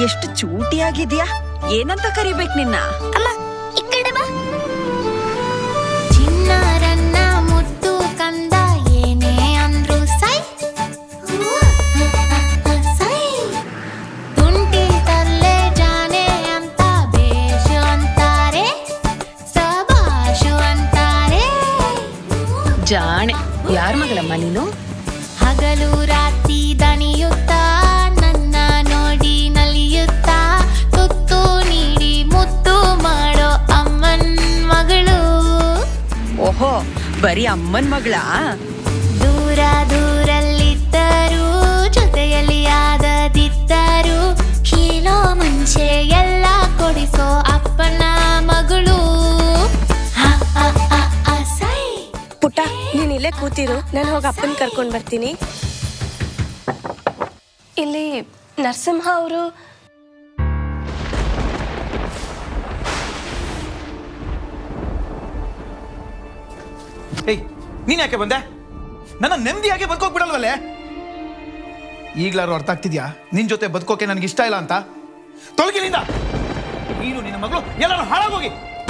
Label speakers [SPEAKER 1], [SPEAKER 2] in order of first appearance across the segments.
[SPEAKER 1] ಎಷ್ಟು ಚೂಟಿಯಾಗಿದ್ಯಾ. ಏನಂತ ಕರಿಬೇಕು ನಿನ್ನ?
[SPEAKER 2] ಅಮ್ಮ ಈ ಕಡೆ ಬಾ. ಚಿನ್ನಾರನ್ನ ಮುದ್ದು ಕಂದ ಏನೇ ಅಂದ್ರು ಸೈ ಸೈ. ತುಂಟಿ ತರ್ಲೆ ಜಾನೆ ಅಂತ ಬೇಷು ಅಂತಾರೆ, ಸಬಾಷು ಅಂತಾರೆ.
[SPEAKER 1] ಜಾಣೆ. ಯಾರ ಮಗಳಮ್ಮ ನೀನು?
[SPEAKER 2] ಹಗಲು ರಾತ್ರಿ ದಣಿಯುತ್ತಾ ನನ್ನ ನೋಡಿ ನಲಿಯುತ್ತಾ ತುತ್ತು ನೀಡಿ ಮುತ್ತು ಮಾಡೋ ಅಮ್ಮನ್ ಮಗಳು.
[SPEAKER 1] ಓಹೋ, ಬರೀ ಅಮ್ಮನ್ ಮಗಳಾ?
[SPEAKER 2] ದೂರ ದೂರಲ್ಲಿದ್ದರು ಜೊತೆಯಲ್ಲಿ ಆದದಿದ್ದರು ಕೀಳೋ ಮುಂಚೆ ಎಲ್ಲ ಕೊಡಿಸೋ ಅಪ್ಪನ ಮಗಳು.
[SPEAKER 3] ಪುಟ್ಟ, ನೀನ್ ಇಲ್ಲೇ ಕೂತಿರು, ನಾನು ಹೋಗಿ ಅಪ್ಪನ ಕರ್ಕೊಂಡ್ ಬರ್ತೀನಿ. ಇಲ್ಲಿ ನರಸಿಂಹ ಅವರು
[SPEAKER 4] ಏಯ್, ನೀನ್ ಯಾಕೆ ಬಂದೆ? ನನ್ನ ನೆಮ್ಮದಿಯಾಗಿ ಬದುಕೋಗ್ಬಿಡಲ್ವಲ್ಲೇ? ಈಗ್ಲಾರು ಅರ್ಥ ಆಗ್ತಿದ್ಯಾ ನಿನ್ ಜೊತೆ ಬದುಕೋಕೆ ನನಗೆ ಇಷ್ಟ ಇಲ್ಲ ಅಂತ? ತೊಲಗಿನಿಂದ ನೀನು ನಿನ್ನ ಮಗಳು ಎಲ್ಲರೂ ಹಾಳಾಗೋಗಿ.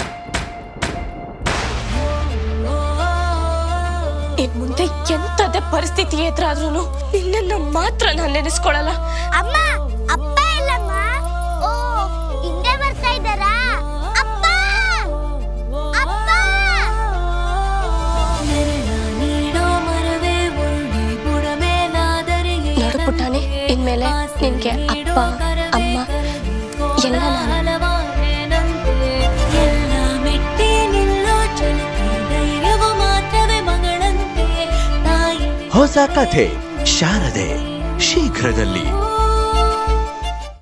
[SPEAKER 3] ಇನ್ ಮುಂದೆ ಎಂತದೇ ಪರಿಸ್ಥಿತಿ ಎದುರಾದ್ರೂ ನಿನ್ನನ್ನು ಮಾತ್ರ ನಾನು ನೆನೆಸ್ಕೊಳಲ್ಲ.
[SPEAKER 2] ಅಮ್ಮ, ಅಪ್ಪ ಎಲ್ಲಮ್ಮ? ಓ, ಹಿಂದೆ ಬರ್ತಾ ಇದ್ದಾರಾ? ಅಪ್ಪ, ಅಪ್ಪ.
[SPEAKER 3] ನೋಡು ಪುಟ್ಟಾಣಿ, ಇನ್ಮೇಲೆ ನಿನ್ಗೆ ಅಪ್ಪ ಅಮ್ಮ ಎಲ್ಲ ನಾನು.
[SPEAKER 5] ಹೊಸ ಕಥೆ ಶಾರದೆ ಶೀಘ್ರದಲ್ಲಿ.